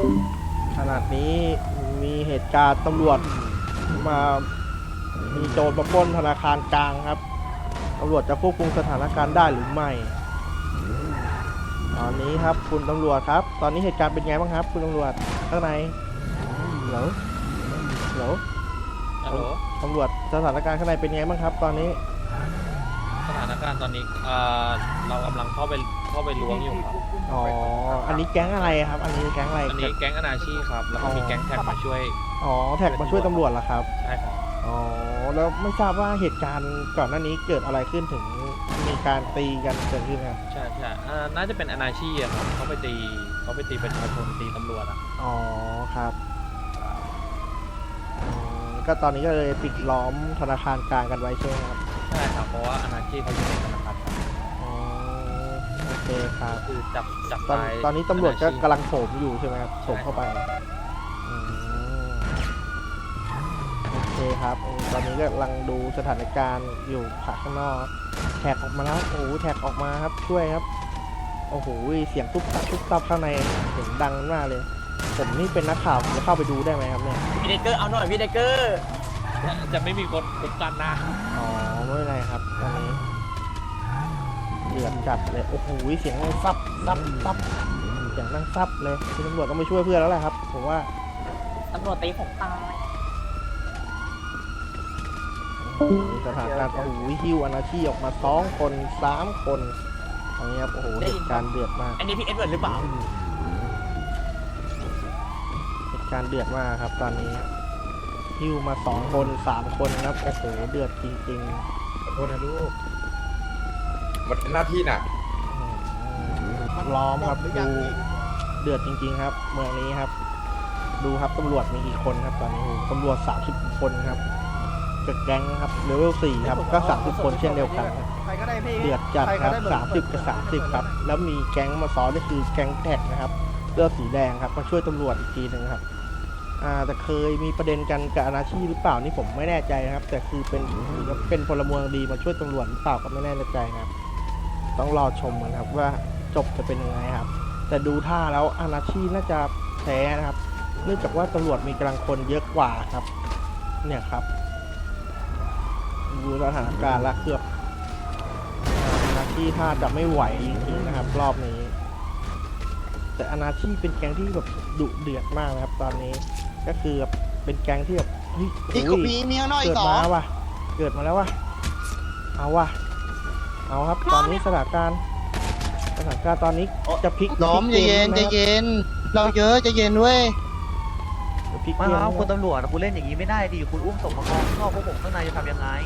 ขนาดนี้มีเหตุการณ์ตำรวจมามีโจรมาปล้นธนาคารกลางครับตำรวจจะควบคุมสถานการณ์ได้หรือไม่ตอนนี้ครับคุณตำรวจครับตอนนี้เหตุการณ์เป็นไงบ้างครับคุณตำรวจข้างในเหรอฮัลโหลตำรวจสถานการณ์ข้างในเป็นไงบ้างครับ ตอนนี้สถานการณ์ตอนนี้เรากำลังเข้าไปล้วงอยู่ครับอ๋ออันนี้แก๊งอะไรครับ อันนี้แก๊งอะไรอันนี้แก๊งอนาชีครับ แล้วก็มีแก๊งแท็กมาช่วยอ๋อแท็กมาช่วยตำรวจเหรอครับใช่ครับอ๋อแล้วไม่ทราบว่าเหตุการณ์ก่อนหน้านี้เกิดอะไรขึ้นถึงมีการตีกันเกิดขึ้นครับใช่น่าจะเป็นอนาชีอะครับเขาไปตีประชาชนตีตำรวจอะอ๋อครับก็ตอนนี้ก็เลยปิดล้อมธนาคารกลางกันไว้ใช่ไหมครับใช่ครับ เพราะว่าอนาชีเขาอยู่ในธนาคารครับอ๋อโอเคครับคือจับตอนตายตอนนี้ตำรวจก็อนาชีกำลังโถมอยู่ใช่ไหมครับโถมเข้าไปอืมโอเคครับตอนนี้ก็กำลังดูสถานการณ์อยู่ข้างนอกแท็กออกมาแล้วโอ้โหแท็กออกมาครับช่วยครับโอ้โหเสียงตุ๊บตับข้างในเสียงดังมากเลยผมนี่เป็นนักข่าวผมจะเข้าไปดูได้ไหมครับเนี่ยพี่เดกเกอร์เอาหน่อยพี่เดกเกอร์จะไม่มีคนคุ้มกันนะอ๋อไม่เป็นไรครับตอนนี้เดือดจัดเลยโอ้โหเสียงดังซับเสียงดังซับเลยคุณตำรวจต้องไปช่วยเพื่อนแล้วแหละครับผมว่าตำรวจตีผมตายสถานการณ์โอ้โหฮิวอนาชีออกมา2 คน3 คนอันนี้ครับโอ้โหเหตุการณ์เดือดมากอันนี้พี่เอ็ดเวิร์ดหรือเปล่าเหตุการณ์เดือดมากครับตอนนี้ฮิวมา2 คน3 คนครับโอ้โหเดือดจริงขอโทษนะลูก มันเป็นหน้าที่น่ะๆล้อมครับดูเดือดจริงๆครับ เมืองนี้ครับ ดูครับตำรวจมีกี่คนครับตอนนี้โอ้โหตำรวจ30 คนครับกับแก๊งครับเลเวล4ครับก็30 คนเช่นเดียวกันครับใครก็ได้พี่เดือดจัดครับ30 กับ 30ครับแล้วมีแก๊งมาซ้อนก็คือแก๊งแท็กนะครับเสื้อสีแดงครับมาช่วยตำรวจอีกทีหนึ่งครับแต่เคยมีประเด็นกันกับอนาชีหรือเปล่านี่ผมไม่แน่ใจนะครับ แต่คือเป็นพลเมืองดีมาช่วยตำรวจหรือเปล่าก็ไม่แน่ใจนะครับ ต้องรอชมกันครับว่าจบจะเป็นยังไงครับ แต่ดูท่าแล้วอนาชีน่าจะแพ้นะครับ เนื่องจากว่าตำรวจมีกำลังคนเยอะกว่าครับ เนี่ยครับดูสถานการณ์ละเกือบอนาชีท่าจะไม่ไหวจริงๆนะครับ รอบนี้ แต่อนาชีเป็นแก๊งที่แบบดุเดือดมากนะครับ ตอนนี้ก็คือแบบเป็นแก๊งที่แบบเฮ้ยอีกโอ้ยมีข้างนอกอีเกิกดสองมาว่ะเกิดมาแล้วว่ะเอาว่ะเอาครับ ตอนนี้สถานการณ์ตอนนี้จะพลิกล้อมพใจลิกเย็นกใจมเย็น เราเยอะใจเย็นเว้ยจะพลิกไม่เกมครับไหมคุณตำรวจคุณเล่นอย่างนี้ไม่ได้ดิคุณอุ้มศพมาข้างนอกพวกผมข้างในจะทำยังไง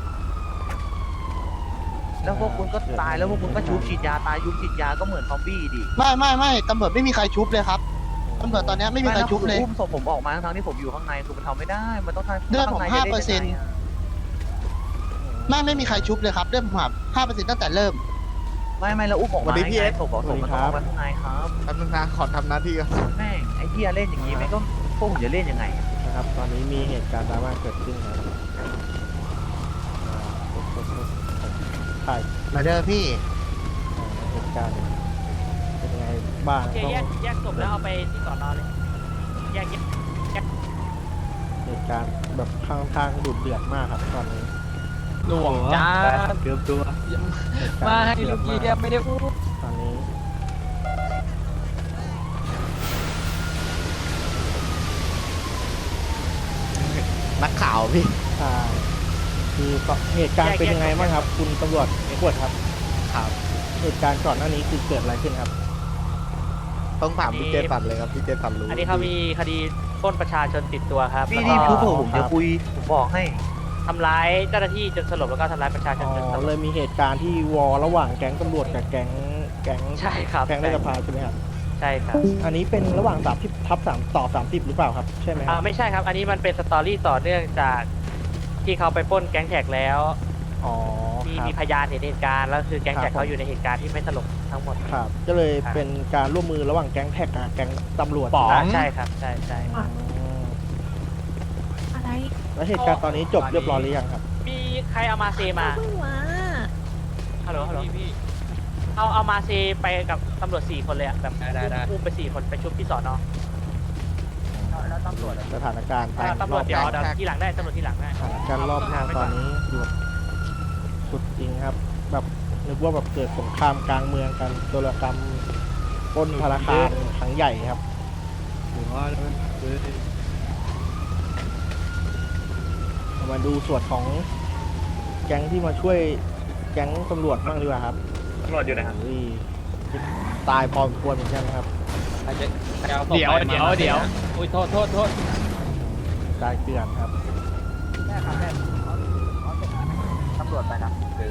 แล้วพวกคุณก็ตายแล้วพวกคุณก็ชุบฉีดยาตายยุบฉีดยาก็เหมือนซอมบี้ดิไม่ตำรวจไม่มีใครชุบเลยครับตำรวจตอนนี้ไม่มีใครชุบเลยอุ้มศพผมออกมาทั้งที่ผมอยู่ข้างในคือมันทำไม่ได้ มันต้องทำเลือดผมข้างในจะล่นยังไง 5% อะไม่มีใครชุบเลยครับเรื่องผมหับ5%ตั้งแต่เริ่มไม่แล้วอุ้มออกมาไงศพบอกศพมันต้องออกมาข้างในครับแป๊บนึงนะขอทำหน้าที่ก่อนแม่งไอ้เหี้ยเล่นอย่างนี้ไม่ก็พวกผมจะเล่นยังไงอะนะครับ ตอนนี้มีเหตุการณ์ดราม่าเกิดขึ้นครับใช่มาเด้อพี่เหตุการณ์เป็นยังไงบ้างโอเคต้องแยกศพแล้วเอาไปที่สอนอเลยแยกเหตุการณ์แบบข้างทางดุเดือดมากครับตอนนี้หลวงจ้าเกือบตัวเหตุการณ์มาให้ลูกพี่ไม่ได้พูดตอนนี้นักข่าวพี่ใช่คือเหตุการณ์เป็นยังไงบ้างครับ คุณตำรวจเอกวดครับครับเหตุการณ์ก่อนหน้านี้คือเกิดอะไรขึ้นครับต้องถามพี่เจสันเลยครับพี่เจสันรู้อันนี้เขามีคดีปล้นประชาชนติดตัวครับพี่แล้วนี่ก็พูดผมจะคุยผมบอกให้ทำร้ายเจ้าหน้าที่จนสลบแล้วก็ทำร้ายประชาชอ๋นจนสอลเลบยมีเหตุการณ์ที่วอระหว่างแก๊งตำรวจกับแก๊งใช่ครับแก๊งในสภาใช่ไหมครับใช่ครับอันนี้เป็นระหว่าง30/3ต่อ30หรือเปล่าครับใช่ไหมครับไม่ใช่ครับ อันนี้มันเป็นสตอรี่ต่อเนื่องจากที่เขาไปปล้นแก๊งแท็กแล้วอ๋อครับมีพยานเห็นเหตุการณ์แล้วคือแก๊งแท็กครับเขาอยู่ในเหตุการณ์ที่ไม่สลบทั้งหมดครับก็เลยเป็นการร่วมมือระหว่างแก๊งแท็กกับแก๊งตำรวจใช่ครับใช่ใช่อืมอะไรแล้วเหตุการณ์ตอนนี้จบเรียบร้อยหรือยังครับมีใครเอามาเซมาเพิ่งมาฮัลโหลพี่เอามาเซไปกับตำรวจ4 คนเลยอะแบบได้อุ้มไป4 คนไปชุบที่สอนอสถานการณ์ตำรวจเดี๋ยวที่หลังได้ตำรวจที่หลังได้สถานการณ์รอบนอกตอนนี้ดูสุดจริงครับ แบบนึกว่าแบบเกิดสงครามกลางเมืองกันโจรกรรมปล้นธนาคารครั้งใหญ่ครับเรามาดูส่วนของแก๊งที่มาช่วยแก๊งตำรวจบ้างดีกว่าครับตำรวจอยู่นะครับอุ้ยตายพอสมควรเหมือนกันนะครับเดี๋ยวอุ้ยโทษตายเกลื่อนครับตำรวจไปนะคือ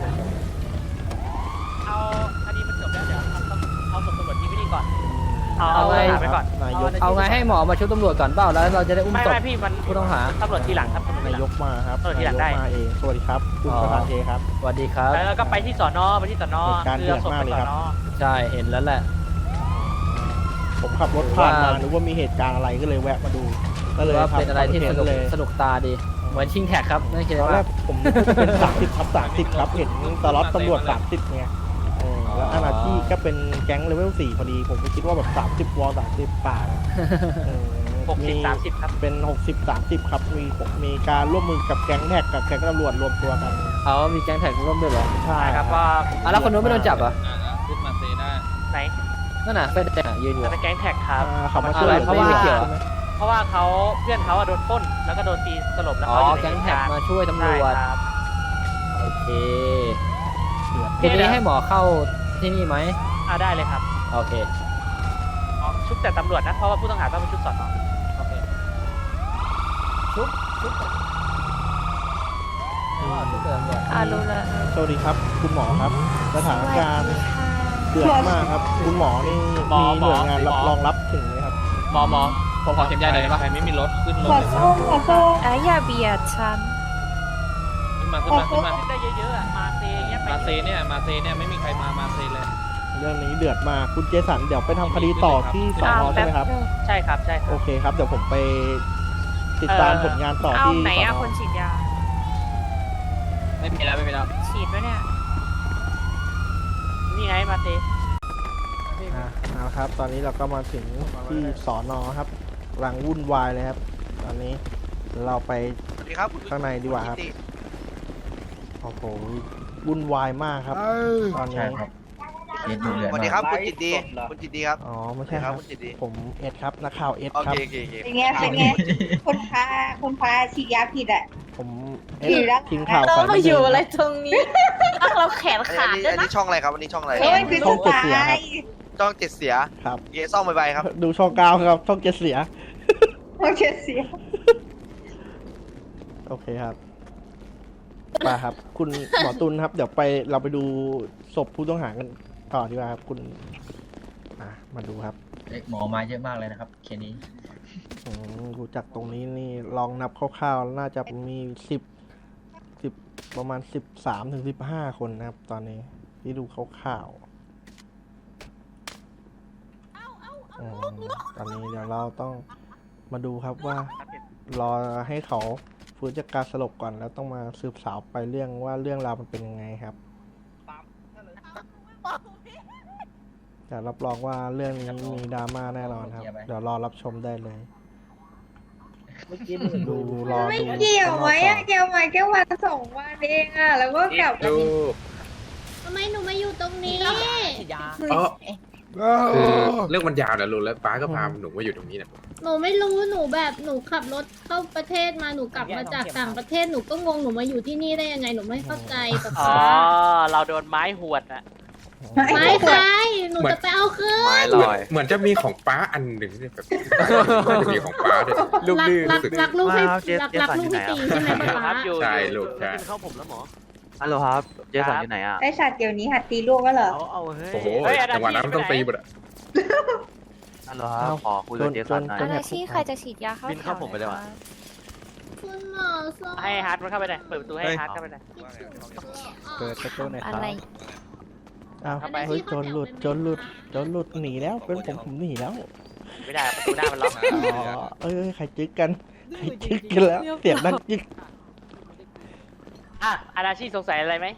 เอาคดีมันจบแล้วเดี๋ยวเอาศพตำรวจที่ไม่ดีก่อนเอาเอาไงหาไปก่อนนายกเอาไงให้หมอมาช่วยตำรวจก่อนเปล่าแล้วเราจะได้อุ้มไม่ศพไม่พี่มันผู้ต้องหาตำรวจที่หลังครับตำรวจที่นาหลัยงกมาครับเออที่หลังได้นายกมาเองสวัสดีครับคุณอ๋อประธานเทครับสวัสดีครับแล้วก็ไปที่สอนอไปที่สอนอเหตุการณ์คือเอาศพไปเดือดมากเลยสอครับนอใช่เห็นแล้วแหละผมขับรถผ่านมาว่านึกว่ามีเหตุการณ์อะไรก็เลยแวะมาดู ก็เลยว่าทำเป็นอะไรที่คสนเทนุกเลยสนุกตาดีเหมือนชิงแท็กครับนั่นคือตอนแรว่ากผมนึกว่าจะเป็น30ทับ30ครับเห็นตลอดตำรวจ30ไงแล้วอาณาที่ก็เป็นแก๊งเลเวล4พอดี ผมก็คิดว่าแบบ30วอล30ป่าเออ 60-30ครับเป็น60-30ครับมีการร่วมมือกับแก๊งแท็กกับแก๊งตำรวจรวมตัวกันเอามีแก๊งแท็กร่วมด้วยเหรอใช่ครับว่าอ่ะแล้วคนนู้นไม่โดนจับเหรอขึ้นมาเซได้ไหนนั่นน่ะเฟนแดงอ่ะยืนอยู่จะเป็นแก๊งแท็กครับเขามาช่วยเหลือเพราะว่าไม่เกี่ยวเพราะว่าเขาเพื่อนเขาอะโดนปล้นแล้วก็โดนตีสลบแล้วอ๋อเขาอยู่ในแก๊งแท็กเหตุมาช่วยตำรใช่วจครับโอเคทีนี้ให้หมอเข้าที่นี่ไหมได้เลยครับโอเคชุดแต่ตำรวจนะเพราะว่าผู้ต้องหาต้องเป็นชุดสอนอโอเคชุบชุบเติมด้วยรู้แล้วสวัสดีครับ คุณหมอครับ สถานการณ์เดือดมากครับ คุณหมอนี่มีหน่วยงานรับรองรับถึงไหมครับหมอผมขอเข็มใหญ่หน่อยได้ปะใครไม่มีรถขึ้นรถอย่าเบียดฉันขึ้นมาได้เยอะๆอะมาเซเงี้ยไปมาเซเนี่ยไม่มีใครมาเซเลยเรื่องนี้เดือดมากคุณเจสันเดี๋ยวไปทำคดีต่อที่สอนอใช่ไหมครับใช่ครับใช่คโอรับเคครับ เดี๋ยวผมไปติดตามผลงานต่อเอาที่ไหนสออะนคนฉีดยาไม่มีแล้วฉีดไว้เนี่ยนี่ไงมาเซเอาครับ ตอนนี้เราก็มาถึงที่สอนอครับกำลังวุ่นวายเลยครับ ตอนนี้เราไปสวัสดีครับข้างในดีกว่าครับ โอ้โหวุ่นวายมากครับ ตอนนี้สวัสดีครับคุณจิตดีคุณจิตดีครับอ๋อไม่ใช่ครับคุณจิตดีผมเอ็ดครับนักข่าวเอ็ดโอครับเคโอเคโอเคเป็นไง เป็นไง คนพาฉีดยาผิดอ่ะผมเอ็ดผิดแล้วทีมข่าวเราสายมาบันอเทิยู่งอะไรตรงนี้เราแขนขาดด้วยอันนะนี้ช่องอะไรครับอันนี้ช่องอะไรเฮ้ยคือช่องสุดเจ็ดเสียท้าครับยช่องเจ็ดเสียครับเยซ่องใบครับดูช่องเก้าครับช่องเจ็ดเสียโอเคเสียโอเคครับไปครับ คุณหมอตุลครับ เดี๋ยวเราไปดูศพผู้ต้องหากันต่อดีกว่าครับ คุณมาดูครับหมอมาเยอะมากเลยนะครับเคสนี้ดูจากตรงนี้นี่ลองนับคร่าวๆน่าจะมีประมาณ13 ถึง 15 คนนะครับ ตอนนี้ที่ดูคร่าวๆตอนนี้เดี๋ยวเราต้องมาดูครับว่ารอให้เขาฟื้นจากการสลบก่อนแล้วต้องมาสืบสาวไปเรื่องว่าเรื่องราวมันเป็นยังไงครับแต่รับรองว่าเรื่องนี้มีดราม่าแน่นอนครับ เดี๋ยวรอรับชมได้เลยดูรอไม่ดูเกี่ยวไหมข้างนอ่ะกก่อนเกี่ยวไหมแค่วัน2 วันเองอ่ะ แล้วก็กลับดูทำไมหนูมาอยู่ตรงนี้คือเรื่องมันยาวนะลุงแล้วป้าก็พาหนูมาอยู่ตรงนี้นะหนูไม่รู้หนูแบบหนูขับรถเข้าประเทศมาหนูกลับมาจากต่างประเทศหนูก็งงหนูมาอยู่ที่นี่ได้ยังไงหนูไม่เข้าใจแบบอ๋อเราโดนไม้หวดอะไม่ใช่หนูจะไปเอาคืนไม้ลอยเหมือนจะมีของป้าอันหนึ่งเนี่ยแบบน่าจะมีของป้าด้วยรักลูกให้รักลูกให้ตีใช่ไหมครัป๊าบอยู่ใช่ลูกใช่เข้าผมแล้วหมอฮัลโหลครับ เจสันอยู่ไหนอ่ะไอสัตว์เดี๋ยวนี้หัดตีลูกก็เหรอเอาเฮ้ยโอ้โหจังหวะนั้นมันต้องตีหมดอะฮัลโหลครับ ขอคุยกับเจสันหน่อยอะไรที่ใครจะฉีดยาเข้าบินเข้าผมไปเลยว่ะคุณหมอสอนให้ฮาร์ดมันเข้าไปหน่อยเปิดประตูให้ฮาร์ดเข้าไปหน่อยเปิดประตูหน่อยคอะรับไรอ้าวเข้าไปเฮ้ยโจรหลุดหนีแล้วเป็นผมหนีแล้วไม่ได้ประตูหน้ามันล็อกอ๋อใครจึกกันใครจึกกันแล้วเสียงดังจึกอาณาชีสงสัยอะไรไหม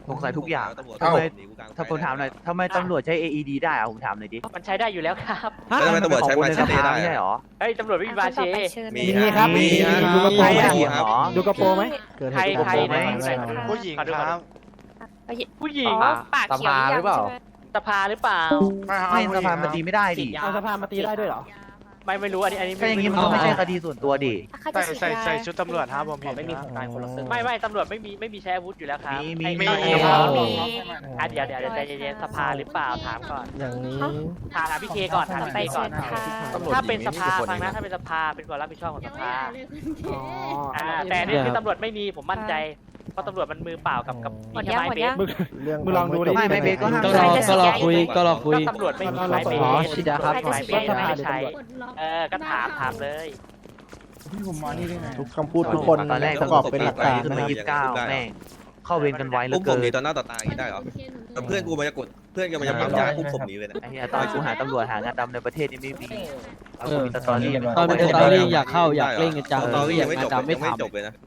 สงสัยทุกอย่างตำรวจทำไมหนีกูกลางไฟถ้าผมถามหน่อยทำไมตำรวจใช้ AED ได้อะผมถามหน่อยดิมันใช้ได้อยู่แล้วครับแล้วทำไมตำรวจใช้ไม้ในเชสตภาได้ไม่ใช่อะหรอเฮ้ยตำรวจไม่มีบาเชมีครับมีฮะดูกระโปรงใครมีอะครับดูกระโปรงไหมเกิดใครเหตุใครการณ์ไหนไหมผู้หญิงครับผู้หญิงอ๋อปากเขียวหรือเปล่าสภาหรือเปล่าไม่สภามันตีไม่ได้ดิเอาสภามาตีได้ด้วยเหรอไม่รู้อันนี้ก็อย่างงี้มันก็ไม่ใช่คดีส่วนตัวดิใส่ชุดตำรวจไม่มีของการคนละซึ่งไม่ตำรวจไม่มีใช้อาวุธอยู่แล้วครับมีไอ้มีเดี๋ยวใจเย็นๆสภาหรือเปล่าถามก่อนอย่างนี้ถามพี่เคก่อนถามไปพี่เคก่เชิอนญค่ะถ้าเป็นสภาฟังนะถ้าเป็นสภาเป็นความรับผิดชอบของยัสงไม่ภาอ่านเลยคุณเคแต่นี่คือตำรวจไม่มีผมมั่นใจเพราะตำรวจมันมือเปล่ากับหมดยังหมดยังเรื่องมึงลองดูดิไม่เบสก็ห้ามก็รอก็รอคุยก็รอคุยก็ตำรวจไม่มีไม้เบสอ๋อชิดาครับไม้เบสไม่ใช่กดล็อกก็ถามเลยทุกคำพูดทุกคนตอนแรกประกอบเป็นหลักฐานขึ้นนะมาครับ 29แม่งเข้าเวรกันไวเหลือุ้อมผเกิมนหนีต่อหน้าต่อตาอย่างนี้ได้เหรอแต่เพื่อนกูมันจะกดเพื่อนกูมันจะปั๊มยาอุ้มศพหนีเลยนะไอ้เหี้ยตอนกูหาตำรวจหางานดำในประเทศนี่ไม่มีเอากูมีสตอรี่ตอนเป็นสตอรี่อยากเข้าอยากเล่นกันจังสตอรี่อยัยาง กไม่งาจนบดำไม่ยังไม่ทำจบเลยนะ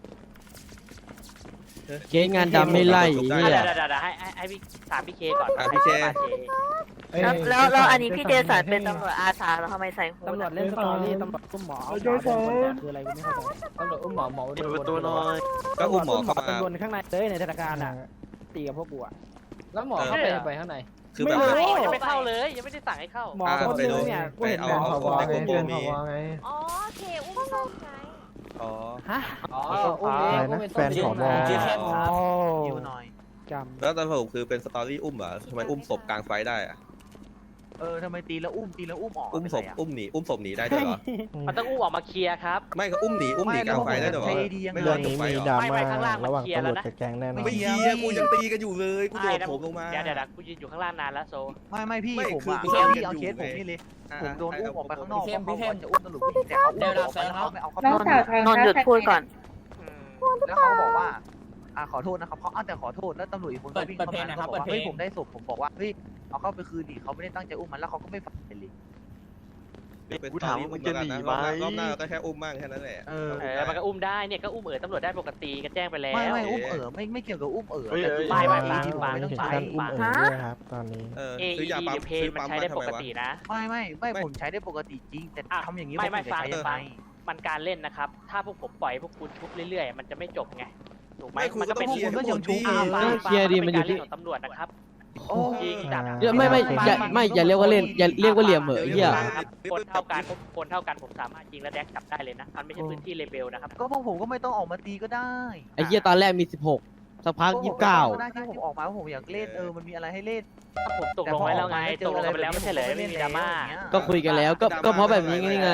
เคสงานดำไม่ไล่เดี๋เนี่ยยวให้พี่ถามพี่เคก่อนพี่เคแล้วอันนี้พี่เจสันเป็นตำรวจอาสาแล้วทำไมใส่หูตำรวจเล่นสตอรี่ตำรวจอุ้มหมอเอาหมอโดนคนแต่คืออะไรกูไม่เข้าใจตำรวจอุ้มหมอโดนประตูน้อยก็อุ้มหมอเข้ามาเป็นคนข้างในเลยในธนาคารอ่ะตีกับพวกกูอ่ะแล้วหมอเข้าไปข้างในคือแบบยังไม่เข้าเลยยังไม่ได้สั่งให้เข้าหมอคนนึงเนี่ยกูเห็นแบบเอาของในกระโปรงมีอ๋อโอเคอุ้มศพไงอ๋อฮะอ๋ออุ้มเองอุ้มเป็นต้นยิวหน่อยจแล้วตอนผมคือเป็นสตอรี่อุ้มเหรอทำไมอุ้มศพกลางไฟได้อะทำไมตีแล้วอุ้มออกอุ้มศพอุ้มหนีได้ด้วยเหรอมันต้องอุ้มออกมาเคลียร์ครับไม่ก็อุ้มหนีกลางไฟได้ด้วยเหรอไม่เรื่องจนี้บไฟมีเหรดอราไม่ม่าข้างล่างมันระหว่างเคลียร์ตำรแล้ววจนะกับแก๊งแน่นอนไม่เคลียร์กูยังตีกันอยู่เลยกูโดดผมลงมาเดี๋ยวกูยืนอยู่ข้างล่างนานแล้วโซไม่พี่ผมอ่ะคือพี่เอาเคสผมนี่เลยผมโดนอุ้มออกไปข้างนอกเพราะเขาจะอุ้มตำรวจผู้หญิงแต่เขาอุ้มออกไปแล้วเขาไม่เอาเข้าไปนนท์หยุดพูดก่อนแล้วเขาบอกว่าขอโทษนะครับเขาแต่ขอโทษแล้วตำรวจอีกคนก็วิ่งเข้ามาเขาบอกว่าเฮ้ยผมได้ศพผมบอกว่าเฮ้ยเอาเข้าไปคืนดิเขาไม่ได้ตั้งใจอุ้มมันแล้วเขาก็ไม่ฟังเลยกูถามว่ามึงจะหนีไหมรอบหน้าก็แค่อุ้มมั่งแค่นั้นแหละมันก็อุ้มได้เนี่ยก็อุ้มตำรวจได้ปกติก็แจ้งไปแล้วไม่อุ้มไม่เกี่ยวกับอุ้มแต่คือไม่ไม่ฟังไม่ต้องถึงใช้ขั้นอุ้มเอ๋ยด้วยครับตอนนี้ซื้อยาปั๊มเพนมันใช้ได้ปกตินะไม่ผมใช้ได้ปกติจริงแต่ทำอย่างนี้ไม่ฟังใช้ยังไงมันการเล่นนะครับ ถ้าพวกผมปล่อยพวกคุณชุบเรื่อยๆ มันจะไม่จบไง ถูกไหมไม่คุณมันก็ก็เป็เป็น นก็ยังชุบเคลียร์ดิมันอยู่ที่ของตำรวจนะครับโอ้จริงจัดอย่าเรียกว่าเล่นอย่าเรียกว่าเหลี่ยมเหม่อเหี้ยคนเท่ากันผมสามารถยิงและแดกจับได้เลยนะมันไม่ใช่พื้นที่เลเบลนะครับก็พวกผมก็ไม่ต้องออกมาตีก็ได้ไอ้เหี้ยตอนแรกมี16สักพัก29 ได้ที่ผมออกมาว่าผมอยากเล่นมันมีอะไรให้เล่นผมตกลงไว้แล้วไงตกลงกันไปแล้วไม่ใช่เหรอไม่มีดราม่าก็คุยกันแล้วก็เพราะแบบนี้ไง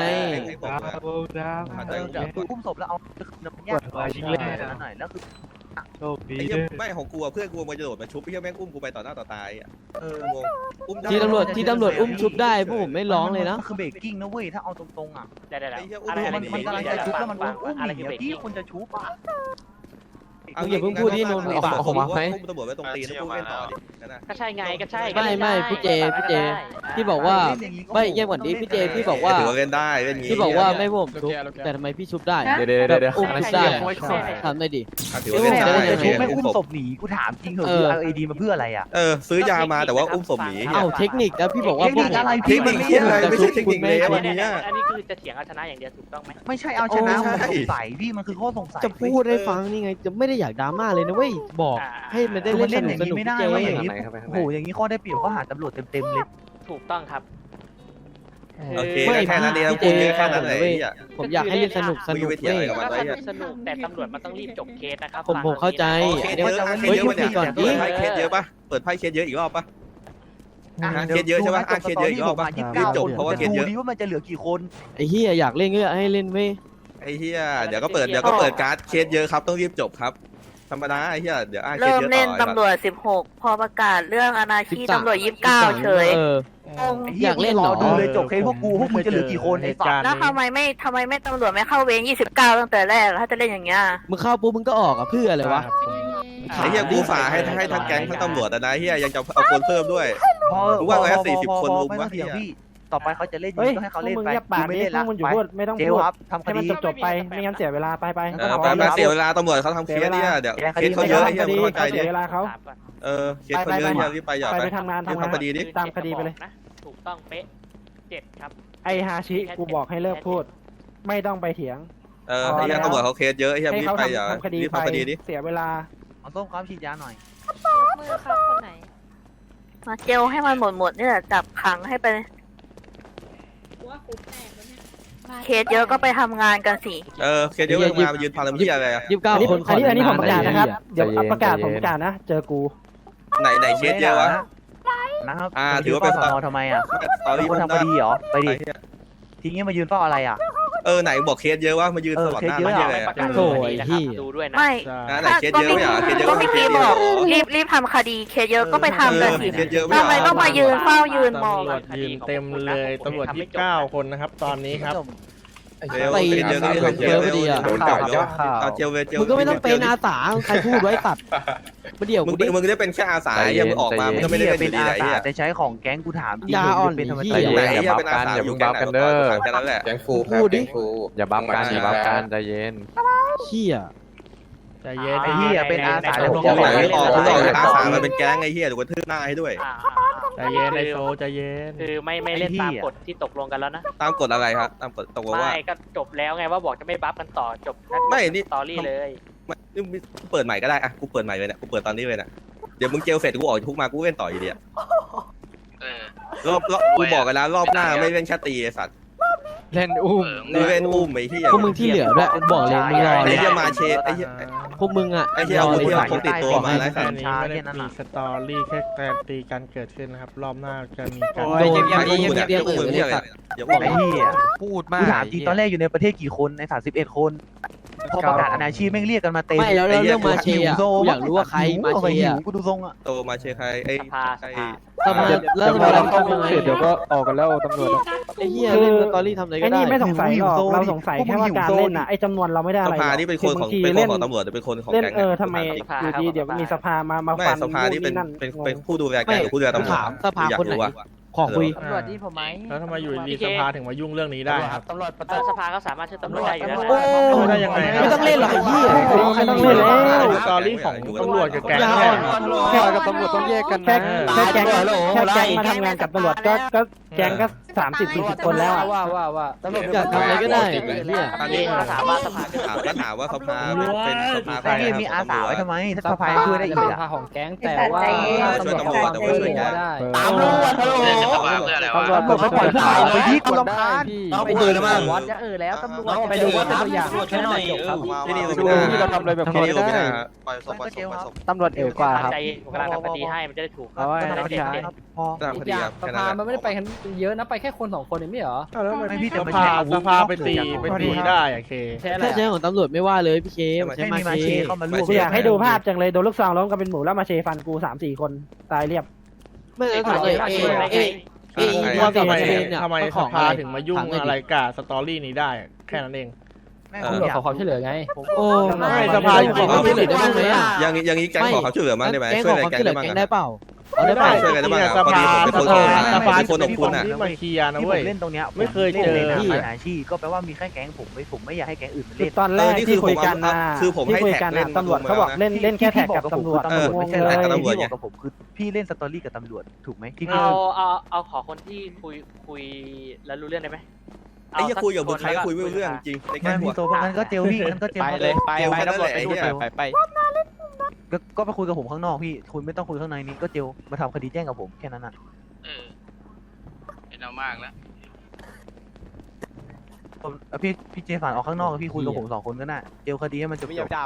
อุ้มศพแล้วเอาน้ำยาหน่อยแล้วคือไม่ของกูเพื่อนกูมันจะโดดมาชุบพี่แม่งอุ้มกูไปต่อหน้าต่อตาอ่ะงงอุ้มที่ตำรวจอุ้มชุบได้พวกผมไม่ร้องเลยนะคือเบรกกิ้งนะเว้ยถ้าเอาตรงๆอ่ะเดี๋ยวอะไรมันกำลังจะชุบแล้วมันอุ้มอะไรหนีคือเบรกพี่กิ้งคนจะชุบอ่ะอุ้มตำรวจไว้ตรงตีนแล้วพูดเล่นต่อดินะก็ใช่ไงก็ใช่ไม่พี่เจพี่บอกว่าไม่เยี่ยมกว่านี้พี่เจพี่บอกว่าถือว่าเล่นได้เล่นงี้พี่บอกว่าไม่ผมชุบแต่ทำไมพี่ชุบได้เดี๋ยวอุ้มชุบได้ทำได้ดิถือว่าเล่นได้จะชุบไม่อุ้มศพหนีกูถามจริงเหรอคือเอาไอดีมาเพื่ออะไรอ่ะซื้อยามาแต่ว่าอุ้มศพหนีเอ้าเทคนิคแล้วพี่บอกว่าเทคนิคอะไรเทคนิคที่อะไรไม่ใช่เทคนิคเลยวันนี้อันนี้คือจะเถียงเอาชนะอย่างเดียวถูกต้องไหมไม่ใช่เอาชนะมันสงสัยพี่มันคือข้อสงสัยจะพูดให้ฟังนี่ไงจะไม่ได้อยากดราม่าเลยนะเว้ยบอกให้มันได้เล่นสนุกไม่ได้เจว่าอย่างนี้โอ้โหอย่างนี้ข้อได้เปรียบก็หาตำรวจเต็มเลยถูกต้องครับโอเคแค่นั้นเองพูดแค่นั้นเลยผมอยากให้เล่นสนุกเว้ยสนุกแต่ตำรวจมันต้องรีบจบเคสนะครับผมเข้าใจเคสเยอะเคสเยอะเนี่ยเปิดไพ่เคสเยอะปะเปิดไพ่เคสเยอะอีกรอบปะเคสเยอะใช่ปะเคสเยอะอีกรอบปะรีบจบเพราะว่าเคสเยอะดูว่ามันจะเหลือกี่คนไอ้เหี้ยอยากเล่นก็ให้เล่นเว้ยไอ้เหี้ยเดี๋ยวก็เปิดการ์ดเคสเยอะครับต้องรีบจบครับธรรมดาไอ้เหี้ยเดี๋ยวเคสเริ่มเยอะเล่นต่อตำรวจ16พอประกาศเรื่องอนาคีตำรวจ29เฉยอยากเล่นรหรออดูเลยจบเคสพวกมึงจะเหลือกี่คนไอ้สัตว์แล้วทำไมไม่ตำรวจไม่เข้าเวร29ตั้งแต่แรกถ้าจะเล่นอย่างเงี้ยมึงเข้าปุ๊บมึงก็ออกอ่ะเพื่ออะไรวะไอ้เหี้ยกูฝ่าให้ทั้งแก๊งทั้งตำรวจนะเหี้ยยังจะเอาคนเพิ่มด้วย กูว่า140คนลุมวะไม่ต้องเถียงพี่ต่อไปเขาจะเล่นเฮ้ยก็ให้เขาเล่นมึงไปเงียบปากไม่นี่เล่นพวละกมึงอยู่ไปพูดไม่ต้องเจพูลดครับทำคให้มันดีจบๆไปไม่งั้นเสียเวลาไปไปเสียเวลาตำรวจเขาทำเคสเนี่ยเดี๋ยวเคสเขาเยอะไอ้เหี้ยมึงเข้าใจเสีดิยเวลาเขาถามก่อนเคสเขาเยอะเหี้ยรีบไปอย่าไปไปทำงานรีบทำคดีดิตามคดีไปเลยนะถูกต้องเป๊ะ7ครับไอฮาชิกูบอกให้เลิกพูด ไม่ต้องไปเถียงไอ้เหี้ยตำรวจเขาเคสเยอะไอ้เหี้ยให้รีบเขาไปอย่าทำคดีรีบไปทำคดีดิเสียเวลาเอาส้มความฉีดยาหน่อยมือครับคนไหน มาเจลให้มันหมดนี่แหละจับขังให้ไปว่าคุกแตกแล้วเนี่ยเคสเยอะก็ไปทำงานกันสิเคสเยอะมายืนพันลำเหี้ยอะไรอันนี้ผมประกาศนะครับ เดี๋ยวประกาศผมประกาศนะ เจอกูไหนเคสเยอะวะนะครับถือว่าเป็นสอนอทำไมอ่ะตอนเป็นี้นคนมันทำคดีเหรอไปดิทีนี้มายืนเฝ้าอะไรอ่ะไหนบอกเคสเยอะวะมายืนสวัสดิ์หน้าเหี้ยอะไรประกาศโถ่คดีนะครับดูด้วยนะไม่ไหนเคสเยอะไม่เหรอเคสเยอะก็ก็ไม่เคคีสเยบออะกรีบทำคดีเคสเยอะก็ไปทำกันสิเคสเยอะไม่ทำไมต้องมายืนเฝ้ายืนมองตำรวจยืนเต็มเลยตำรวจ29 คนนะครับ ตอนนี้ครับเคสเยอะก็เคสเยอะไม่ดีอ่ะโดนจับเยอะเจลเวเจลมึงก็ไม่ต้องเป็นอาสาใครพูดไว้สัตว์มาเดี๋ยวมึกูงดิมึงได้เป็นแค่อาสาอย่ามึงออกมามึงก็ไม่ได้เป็นเป็นอาไอ้สาเหี้ยแต่ใช้ของแก๊งกูถามจริงยาอ่อนเป็นธรรมไอ้ดาเหี้ไหนอย่าเป็นอาสาอยู่แก๊งไหนแค่นั้นแหละแก๊งฟูพูดดิอย่าบัฟกันอย่าบัฟกันใจเย็นเหี้ยใจเย็นไอ้เหี้ยเป็นอาสามึงออกจากอาสามาเป็นแก๊งไอ้เหี้ยเดี๋ยวกูทืบหน้าให้ด้วยใจเย็นไอโซใจเย็นคือไม่เล่นตามกฎที่ตกลงกันแล้วนะตามกฎอะไรครับตามกฎตกลงว่าไม่ก็จบแล้วไงว่าบอกจะไม่บัฟกันต่อจบไม่นี่สตอรี่เลยเปิดใหม่ก็ได้อะกูเปิดใหม่เลยเนี่ยกูเปิดตอนนี้เลยเนี่ยเดี๋ยวมึงเจลเสร็จกูออกทุกมากูเล่นต่ออยู่ดีรอบกูบอกกันแล้วรอบหน้าไม่เล่นแค่ตีไอ้สัตว์เล่นอุ้มกูเล่นอุ้มไอ้เหี้ยพวกมึงที่เหลือด้วยบอกเลยมึงรอไอ้เลยเหี้ยมาเชไอ้เหี้ยพวกมึงอ่ะไอ้เหี้ยเอามือที่พกติดตัวมาแล้วแค่นี้ไม่ได้มีสตอรี่แค่การตีกันเกิดขึ้นนะครับ รอบหน้าจะมีการโอ้ยเงียบไอ้กูเนี่ยเดี๋ยวกูมือเหี้ยอะไรอย่าบอกไอ้เหี้ยพูดกูมากถามจริงตอนแรกอยู่ในประเทศกี่คนใน31คนพอประกาศอาชีพแม่งเรียกกันมาเต็มไม่แล้วเรื่องมาเชียร์กูอยากรู้ว่าใครมาเชียร์กูดูทรงอ่ะโตมาเชใครไอ้สภาแล้วสภาเราเข้ามาเดี๋ยวก็ออกกันแล้วตำรวจไอ้เหี้ยเล่นสตอรี่ทำอะไรก็ได้ไอ้นี่ไม่สงสัยหรอกเราสงสัยแค่ว่าการเล่นอ่ะไอ้จำนวนเราไม่ได้สอะไรภานี่เป็นคนของตำรวจเป็นคนของเล่นแก๊งทำไมอยู่ดีเดี๋ยวมีสภามาไม่ฟันสภานี่เป็นผู้ดูแลแก๊งหรือผู้ดูแลตำรวจถามสภาคนไหน ขอคุยตำรวจที่ผมไหมแล้วทำไมอยู่ดีสภาถึงมายุ่งเรื่องนี้ได้ครับตำรวจสภาก็สามารถช่วยตำรวจได้อยู่แล้วโอ้นะได้ยังไงไม่ต้องเล่นหรอกไอ้เหี้ยไม่ต้องเล่นแล้วสตอรี่ของตำรวจกับแก๊งยาแค่อ่อนแค่กับตำรวจต้องแยกกันนะแค่แก๊งมาทำงานกับตำรวจก็แก๊งก็30-40 คนแล้วว่าตำรวจอยากทำอะไรก็ได้เนี่ยอันนี้ถามว่าสภาก็ถามว่าสภาเป็นสภาใครไอ้เหี้ยมีอาสาไว้ทำไมถ้าสภาช่วยได้อีกอ่ะของแก๊งแต่ว่าช่วยตำรวจแต่ว่าช่วยแก๊งตามรู้ว่าตำรวจไม่ปล่อยผู้ข่าวไปที่กูรำคาญเอาไปเลยนะมั้งวัดจะแล้วตำรวจไปดูว่าเป็นตัวอย่างแค่หน่อยครับที่นี่ดูที่เราทำอะไรแบบที่นี้นี่ไม่ไม่ได้ได้ปล่อยศพปล่อยศพปล่อยศพตำรวจเอ๋กว่าครับใจกำลังทำคดีให้มันจะได้ถูกโอ้ยไม่ได้พอตามคดีครับสภามันไม่ได้ไปกันเยอะนะไปแค่คน2คนเองไม่เหรอแล้วทำไมไม่พี่แต่สมันภาใช้อาวุธสภาไปตีได้อะเคถ้าใช้ของตำรวจไม่ว่าเลยพี่เคมไม่มีมาเชเข้ามาร่วมกูอยากให้ดูภาพจังเลยโดนลูกซองล้มกันเป็นหมูแล้วมาเชฟันกู3-4 คนตายเรียบไม่ถามเลยว่าทำไมสภาถึงมายุ่งอะไรกับสตอรี่นี้ได้แค่นั้นเองตำรวจขอความช่วยเหลือไงโอ้ไม่สภาอยู่ขอความช่วยเหลือได้บ้างไหมอ่ะอย่างนี้แก๊งขอเขาช่วยเหลือมั้งได้ไหมช่วยอะไรแก๊งได้บ้างได้เปล่าได้ช่วยกันได้บ้างสภาสภาคนของคุณอ่ะที่มาเคลียร์นะที่ผเว้ยมเล่นตรงเนี้ยไม่เคยเจอที่อาชีพก็แปลว่ามีแค่แก๊งผมไม่อยากให้แก๊งอื่นมาคือเล่นตอนแรกที่คุยกันนะคือผมให้คุยแท็กกันเล่นตำรวจเขาบอกเล่นแค่แท็กกับตำรวจตำรวจไม่ใช่แท็กกับตำรวจไงกับผมคือพี่เล่นสตอรี่กับตำรวจถูกไหมที่เอาขอคนที่คุยแล้วรู้เรื่องได้ไหมไอ้จะคุยกับใครก็คุยไม่รู้เรื่องจริงในแก๊ไม่งมีหัวโซ่งั้นก็เจลพี่งั้นก็เจลไปเลยไปตำรวจไปดูไปก็ไปคุยกับผมข้างนอกพี่คุณไม่ต้องคุยข้างในนี้ก็เจลมาทำคดีแจ้งกับผมแค่นั้นอ่ะเป็นเอามากแล้วพี่เจฝันออกข้างนอกพี่คุยกับผม2 คนก็น่ะเจลคดีให้มันจบ